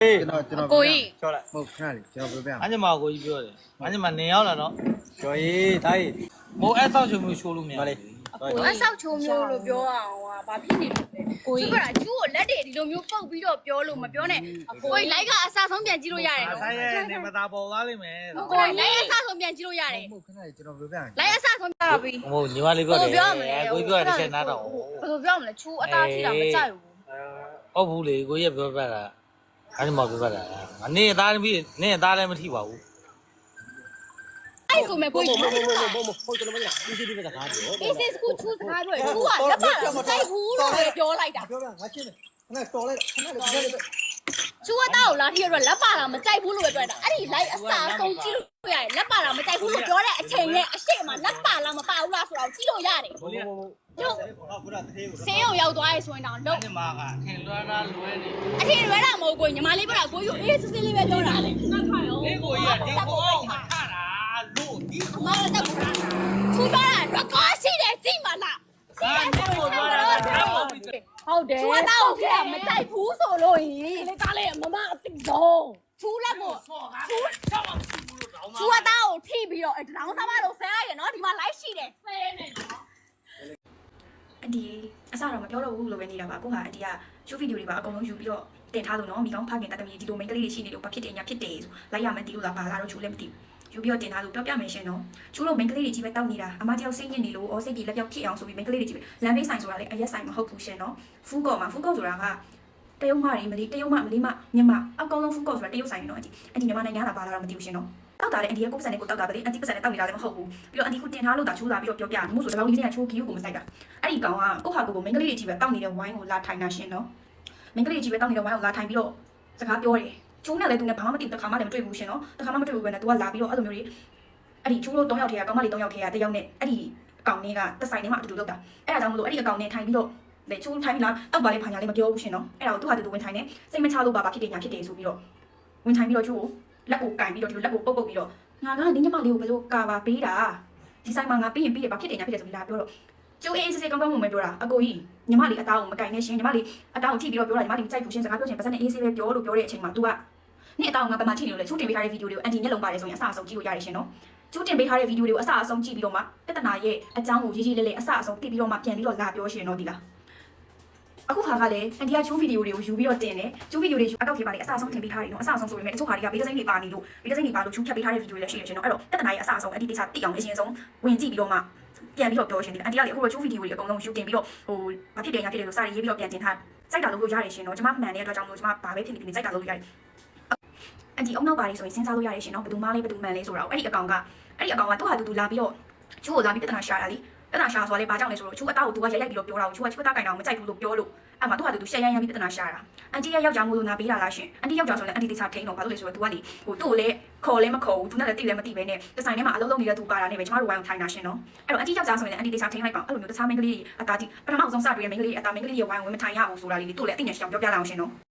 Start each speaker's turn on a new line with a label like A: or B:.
A: ကိုကြီး
B: ပြောလိုက်
C: ဟုတ်ခဏလေးကျွန်တော်ပြောပြ
B: အညီမကိုကြီးပြောတယ်အညီမနေရောက်လာတော့
C: ကျော်ရေးဒါကြီး
B: မိုးအဲ့ဆောက်ချုံမျိုးရှိုးလို့မရ
C: မ
B: ဘူး
C: လေး
A: ကိုအဆောက်ချုံမျိုးလို့ပြောအောင်ဟာဘာဖြစ်နေလို့လဲကိုကြီးကကျူးကိုလက်တွေဒီလိုမျိုးပုတ်ပြီးတော့ပြောလို့မပြောနဲ့ကိုကြီးလိုက်ကအစားဆုံးပြန်ကြည့်လို့ရတယ်နော်
B: ဆိုင်ရဲ့နေမသာပေါ်သွားလိမ့်မယ်
A: ကိုကြီးလိုက်အစားဆုံးပြန်ကြည့်လို့ရတယ်
C: ဟုတ်ခဏလေးကျွန်တော်ပြောပြ
A: လိုက်အစားဆုံးပြပြီ
B: ဟိုညီမလေးပြောတယ်ကိုကြီးပြောတဲ့ချက်နားတော့
A: ဘယ်လိုပြောမလဲချူအသားထိတာမကြိုက်ဘူး
B: ဟုတ်ဘူးလေကိုကြီးပြောပြတာအညီမပြောပြတာနေအသားပြီးနေအသားလည်းမထိပါဘူး
A: အဲ့ဆိုမဲ့ကိုကြီး
C: ဟုတ်ကျွန်တော်မလားဒီစီဒီကကားပြော
A: business ကိုချူစကားပြောချူကလက်ပါတော့မကြိုက်ဘူးလို့ပြောလိုက်တာ
C: ပြောပြငါရှင်းတယ်ခဏတော်လိုက်ခဏလေးပြောလိုက်
A: ချူအသားကိုလာထိရတော့လက်ပါတာမကြိုက်ဘူးလို့ပဲပြောတာအဲ့ဒီ live အစားဆုံးကြည့်လို့ရတယ်လက်ပါတာမကြိုက်ဘူးလို့ပြောတဲ့အချိန်နဲ့အရှိမလက်ပါလားမပါဘူးလားဆိုတော့ကြည့်လို့ရတယ်
B: ကိုလေး
A: တို့
C: ဟုတ်ကဲ့တသေးကို
A: ဆေးရုံရောက်သွားရဲဆိုရင်တော့လုံး
B: အညီမကထင်လွှမ်းတာလွဲနေ
A: အထင်ရွယ်တာမဟုတ်ကိုညီမလေးပြောတာကိုယူအေးစစ်စစ်လေးပဲပြောတာလေငါခါရော
B: ဒီကိုကြီးကဒီကိုအောင်မှာထတာလို့ဒီ
A: မတော်တက်ဘူးလားထူတော့ရကောရှိတယ်ကြည့်မလား
B: ကားကိုပြောတာတော့
A: ဟုတ်တယ်ချူတော့ကမကြိုက်ဘူးဆိုလို့ရင်လေသားလေးမမအတိဆုံးချူလက်ကို
B: ဆော့ကားဆောက်အောင်ဘူးလို့တောင်း
A: ချူအသားကိုထိပြီးတော့တောင်းစားမလို့ဆဲရရနော်ဒီမှာ live ရှိတယ်ဆဲနေနော်
D: အဒီအစတော့မပြောတော့ဘူးလို့ပဲနေတာပါအခုကအဒီကရှုပ်ဗီဒီယိုတွေပါအကုန်လုံးယူပြီးတော့တင်ထားလို့နော်မိကောင်းဖခင်တတ်တမီဒီလိုမိန်းကလေးတွေရှိနေလို့ဘာဖြစ်တယ်ညာဖြစ်တယ်ဆိုလိုက်ရမယ်တီးလို့လားဘာလားတော့ချူလည်းမသိဘူးယူပြီးတော့တင်ထားလို့ပြောပြမယ်ရှင်နော်ချူလို့မိန်းကလေးတွေကြီးပဲတောက်နေတာအမတယောက်စိတ်ညစ်နေလို့ဩစိတ်ကြီးလက်ပြောက်ဖြစ်အောင်ဆိုပြီးမိန်းကလေးတွေကြီးပဲလမ်းဘေးဆိုင်ဆိုတာလေအရက်ဆိုင်မဟုတ်ဘူးရှင်နော်ဖူးကော့ဆိုတာကတရုတ်မတွေမလေးတရုတ်မမလေးမမြန်မာအကောင်လုံးဖူးကော့ဆိုတာတရုတ်ဆိုင်နော်အဒီမြန်မာနိုင်ငံကဘာလာတော့မသိဘူးရှင်နော်တောက်တာလေအန်ဒီကကိုယ်စံနဲ့ကိုတောက်တာပဲလေအန်တီပစံနဲ့တောက်နေတာလည်းမဟုတ်ဘူးပြီးတော့အန်တီကိုတင်ထားလို့ဒါချိုးလာပြီးတော့ပြောပြတယ်မို့ဆိုတော့ဒီနေ့ကချိုးကီကိုမဆိုင်တာအဲ့ဒီကောင်ကကိုဟာကိုမိန်းကလေးတွေကြီးပဲတောက်နေတဲ့ဝိုင်းကိုလာထိုင်တာရှင်နော်မိန်းကလေးတွေကြီးပဲတောက်နေတဲ့ဝိုင်းကိုလာထိုင်ပြီးတော့စကားပြောတယ်ချိုးနဲ့လည်းသူနဲ့ဘာမှမသိဘူးတစ်ခါမှလည်းမတွေ့ဘူးရှင်နော်တစ်ခါမှမတွေ့ဘူးပဲနဲ့သူကလာပြီးတော့အဲ့လိုမျိုးတွေအဲ့ဒီချိုးလို့3ယောက်ထဲကကောင်မလေး3ယောက်ထဲကတစ်ယောက်နဲ့အဲ့ဒီအကောင်လေးကတစ်ဆိုင်ထဲမှာအတူတူလောက်တာအဲ့ဒါကြောင့်မလို့အဲ့ဒီအကောင်နဲ့ထိုင်ပြီးတော့လေချိုးထိုင်ပြီးလားတောက်ပါလေဖာညာလေးမပြောဘူးရှင်နော်အဲ့ဒါကိုသူဟာတူဝင်ထိုင်နေစိတ်မချလို့ဘာဖြစ်တယ်ညာဖြစ်တယ်ဆိုပြီးတော့ဝင်ထိုင်ပြီးတော့ချိုးကိုလက်ကိုကင်ပြီးတော့ဒီလိုလက်ကိုပုတ်ပုတ်ပြီးတော့ငါကဒီညမလေးကိုဘယ်လိုကာပါပေးတာဒီဆိုင်မှာငါပြီးရင်ပြီးတယ်ဘာဖြစ်တယ်ညာဖြစ်တယ်ဆိုပြီးလာပြောတော့ကျိုးအေးစစ်စစ်ကောင်းကောင်းမွန်မွန်ပြောတာအကိုကြီးညီမလေးအသားကိုမကင်နဲ့ရှင်ညီမလေးအသားကိုထိပြီးတော့ပြောတာညီမလေးကြိုက်ဘူးရှင်စကားပြောရှင်ပါစက်နဲ့အေးစစ်ပဲပြောလို့ပြောတဲ့အချိန်မှာ तू ကနေ့အသားကိုငါပမာထိနေလို့လေချိုးတင်ပေးထားတဲ့ဗီဒီယိုတွေကိုအန်တီမျက်လုံးပါတယ်ဆိုရင်အဆအဆုံးကြည့်လို့ရတယ်ရှင်နော်ချိုးတင်ပေးထားတဲ့ဗီဒီယိုတွေကိုအဆအဆုံးကြည့်ပြီးတော့မှပြဿနာရဲ့အကြောင်းကိုရေးရေးလေးလေးအဆအဆုံးသိပြီးတော့မှပြန်ပြီးတော့လာပြောရှင်နော်ဒီလားအခုခါကလည်းအန်တီကချိုးဗီဒီယိုတွေကိုယူပြီးတော့တင်တယ်ချိုးဗီဒီယိုတွေအကောက်ထဲပါလေအဆအဆုံးတင်ပေးထားတယ်နော်အဆအဆုံးဆိုပေမဲ့တချို့ခါတွေကဗီဒီယိုစိမ်းတွေပါနေလို့ဗီဒီယိုစိမ်းတွေပါလို့ချိုးဖြတ်ပေးထားတဲ့ဗီဒီယိုတွေလည်းရှိတယ်ရှင်နော်အဲ့တော့ပြဿနာရဲ့အဆအဆုံးအန်တီတိကျသိအောင်အရင်ဆုံးဝင်ကြည့်ပြီးတော့မှပြန်ပြီးတော့ပြောရှင်ဒီအန်တီကလေအခုတော့ချိုးဗီဒီယိုတွေအကုန်လုံးယူတင်ပြီးတော့ဟိုဘာဖြစ်တယ်ညာဖြစ်တယ်လို့စာရေးပြီးတော့ပြန်တင်ထားစိုက်တာလို့ရတယ်ရှင်နော်ကျမမှန်တဲ့အတွက်ကြောင့်မလို့ကျမဘာပဲဖြစ်နေစိုက်တာလို့ရတယ်အန်တီအုံနောက်ပါလေဆိုရင်စဉ်းစားလို့ရတယ်ရှင်နော်ဘယ်သူမှလည်းဘယ်သူမှန်လဲဆိုတော့အဲ့ဒီအကောင်ကသူ့ဟာတူလာပြီးတော့ချိုးကိုလာပြီးပြဿနာရှာတာလေပြဿနာရှာဆိုလေဘာကြောင့်လဲဆိုတော့ချိုးအသားကိုသူကရိုက်ပြီးတော့ပြောတာကိုချိုးကချိုးသားကင်တာကိုမကြိုက်ဘူးလို့ပြောလို့အဲ့မှာသူ့ဟာတူရှက်ရမ်းပြီးပြဿနာရှာတာအန်တီရဲ့ယောက်ျားမို့လို့နာပေးတာလားရှင်အန်တီယောက်ျားဆိုရင်အန်တီတိကျထိန်တော့ဘာလို့လဲဆိုတော့ तू ကလေဟိုသူ့ကိုလည်းခေါ်လည်းမခေါ်ဘူး तू နဲ့လည်းတိလည်းမတိပဲနဲ့ဒီဆိုင်ထဲမှာအလုံးလုံးနေတဲ့သူပါတာနဲ့ပဲကျမတို့ဝိုင်းအောင်ထိုင်တာရှင်နော်အဲ့တော့အန်တီယောက်ျားဆိုရင်အန်တီတိကျထိန်လိုက်ပါအဲ့လိုမျိုးတခြားမိန်းကလေးအသားတိပထမဆုံးစတွေ့တဲ့မိန်းကလေးအသားမိန်းကလေးရဲ့ဝိုင်းဝင်မထိုင်ရဘူးဆိုတာလေး तू လည်းအသိဉာဏ်ရှိအောင်ပြောပြလိုက်အောင်ရှင်နော်